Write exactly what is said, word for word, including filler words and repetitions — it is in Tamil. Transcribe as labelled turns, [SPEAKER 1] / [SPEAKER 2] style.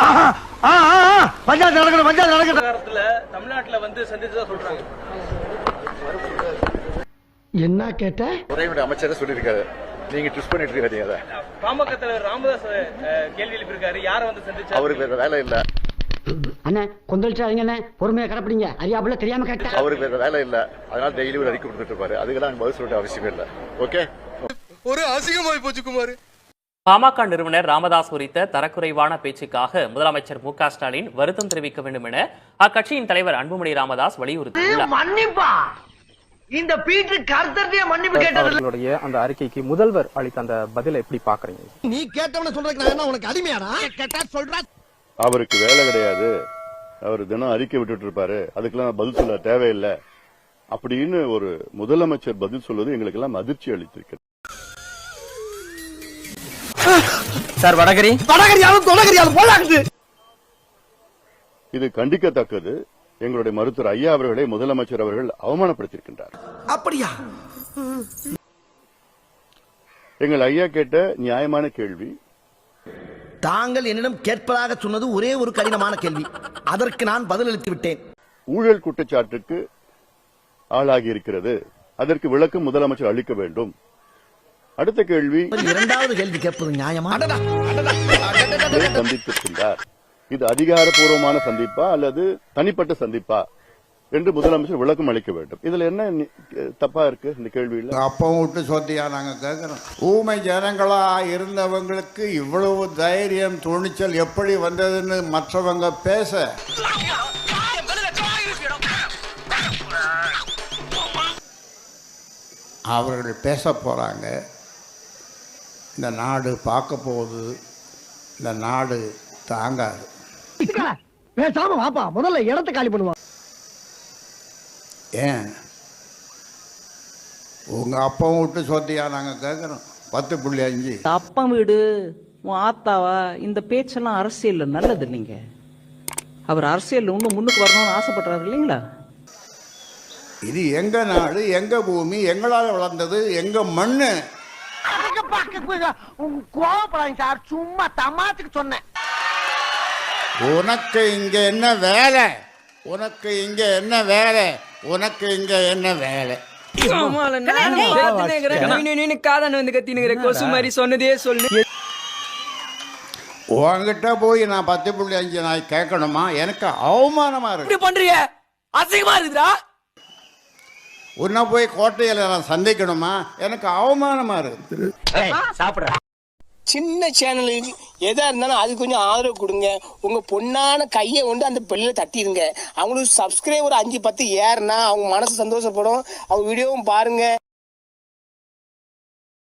[SPEAKER 1] பஞ்சாயத்து நடக்கணும் பஞ்சாயத்து நடக்கணும்.
[SPEAKER 2] தமிழ்நாட்டுல வந்து சந்திச்சதா சொல்றாங்க.
[SPEAKER 1] என்ன கேட்ட?
[SPEAKER 3] உரையுடைய அமைச்சர் சொல்லியிருக்காரு, நீங்க ட்விஸ்ட் பண்ணிட்டு இருக்காதீங்க. அதை
[SPEAKER 2] பாமக தலைவர் ராமதாஸ் கேள்வி எழுப்பியிருக்காரு, யார வந்து சந்திச்சா?
[SPEAKER 3] அவருக்கு வேற வேலை இல்ல
[SPEAKER 1] அண்ணே, கொந்தளிச்சாதீங்க அண்ணே, பொறுமையா கடைப்பிடிங்க. அறியாப்புல தெரியாம கேட்டா
[SPEAKER 3] அவருக்கு வேற வேலை இல்ல, அதனால டெய்லி ஒரு அறிக்கை கொடுத்துட்டு இருப்பாரு. அதுக்கெல்லாம் பதில் சொல்ல அவசியம் இல்ல. ஓகே,
[SPEAKER 4] ஒரு அசிங்கமாய் போச்சு குமார்.
[SPEAKER 5] பாமக நிறுவனர் ராமதாஸ் குறித்த தரக்குறைவான பேச்சுக்காக முதலமைச்சர் மு க ஸ்டாலின் வருத்தம் தெரிவிக்க வேண்டும் என அக்கட்சியின் தலைவர் அன்புமணி ராமதாஸ் வலியுறுத்தியுள்ளார்.
[SPEAKER 1] மன்னிப்பா, இந்த பீட்டு கர்த்தர்கிட்ட மன்னிப்பு கேட்டது.
[SPEAKER 6] அந்த அறிக்கைக்கு முதல்வர் அளித்த அந்த பதிலை எப்படி பாக்குறீங்க?
[SPEAKER 1] நீ கேட்டவன சொல்றதுக்கு நான் என்ன உனக்கு அடிமையாடா? கேட்டா சொல்றா.
[SPEAKER 3] அவருக்கு வேலை கிடையாது, அவர் தினம் அறிக்கை விட்டுட்டு இருப்பாரு, அதுக்கெல்லாம் பதில் சொல்ல தேவையில்லை அப்படின்னு ஒரு முதலமைச்சர் பதில் சொல்வது எங்களுக்கு எல்லாம் அதிர்ச்சி அளித்திருக்கிறது.
[SPEAKER 6] சார், வடகரி
[SPEAKER 1] வடகரியாலும் தொடகரியாலும் போலாக்குது.
[SPEAKER 3] இது கண்டிக்கத்தக்கது. எங்களுடைய மருத்துவர் ஐயா அவர்களை முதலமைச்சர் அவர்கள் அவமானப்படுத்தியிருக்கின்றார்.
[SPEAKER 1] அப்படியா?
[SPEAKER 3] எங்கள் ஐயா கேட்ட நியாயமான கேள்வி.
[SPEAKER 1] தாங்கள் என்னிடம் கேட்பதாக சொன்னது ஒரே ஒரு கடினமான கேள்வி, அதற்கு நான் பதிலளித்து விட்டேன்.
[SPEAKER 3] ஊழல் குற்றச்சாட்டுக்கு ஆளாகி இருக்கிறது, அதற்கு விளக்கம் முதலமைச்சர் அளிக்க வேண்டும். அடுத்த கேள்வி,
[SPEAKER 1] இரண்டாவது கேள்வி கேட்பது நியாயமா?
[SPEAKER 3] சந்தித்திருக்கின்றார், இது அதிகாரப்பூர்வமான சந்திப்பா அல்லது தனிப்பட்ட சந்திப்பா என்று முதலமைச்சர் விளக்கம் அளிக்க வேண்டும். இதுல என்ன தப்பா இருக்கு இந்த கேள்வியில்?
[SPEAKER 7] அப்பவும் விட்டு சொத்தியா நாங்க கேட்கிறோம். ஊமை ஜனங்களா இருந்தவங்களுக்கு இவ்வளவு தைரியம் துணிச்சல் எப்படி வந்ததுன்னு மற்றவங்க பேச அவர்கள் பேச போறாங்க. இந்த நாடு பார்க்க போகுது, இந்த நாடு தாங்காது.
[SPEAKER 1] பேசாம வாப்பா, முதல்ல இடத்தை காலி பண்ணுவா.
[SPEAKER 7] ஏன் உங்க அப்பவும் விட்டு சொத்தியா நாங்க கேட்கிறோம். பத்து புள்ளி அஞ்சு
[SPEAKER 8] அப்பா வீடு உன் ஆத்தாவா? இந்த பேச்செல்லாம் அரசியல் நல்லது இல்லைங்க. அவர் அரசியல் இன்னும் முன்னுக்கு வரணும்னு ஆசைப்படுறாரு இல்லைங்களா?
[SPEAKER 7] இது எங்க நாடு, எங்க பூமி, எங்களால் வளர்ந்தது, எங்க மண்ணு.
[SPEAKER 1] கோவப்படாதீங்க சார், சும்மா தமாத்துக்கு சொன்னேன்.
[SPEAKER 7] உனக்கு இங்க என்ன வேலை? உனக்கு இங்க என்ன வேலை? உனக்கு இங்க என்ன வேலை? உன்கிட்ட போய் நான் பத்து புள்ளி அஞ்சு நாய் கேட்கணுமா? எனக்கு அவமானமா இருக்கு.
[SPEAKER 1] பண்றிய அசிங்கமா இருக்குதா?
[SPEAKER 7] உன்னை போய் கோட்டையில நான் சந்திக்கணுமா? எனக்கு அவமானமா இருக்கு.
[SPEAKER 1] சாப்பிடுற
[SPEAKER 9] சின்ன சேனலுக்கு எதா இருந்தாலும் அது கொஞ்சம் ஆதரவு கொடுங்க. உங்க பொண்ணான கையை கொண்டு அந்த பெல்லில தட்டிடுங்க. அவங்களுக்கு சப்ஸ்கிரைபர் அஞ்சு பத்து ஏறுனா அவங்க மனசு சந்தோஷப்படும். அவங்க வீடியோவும் பாருங்க.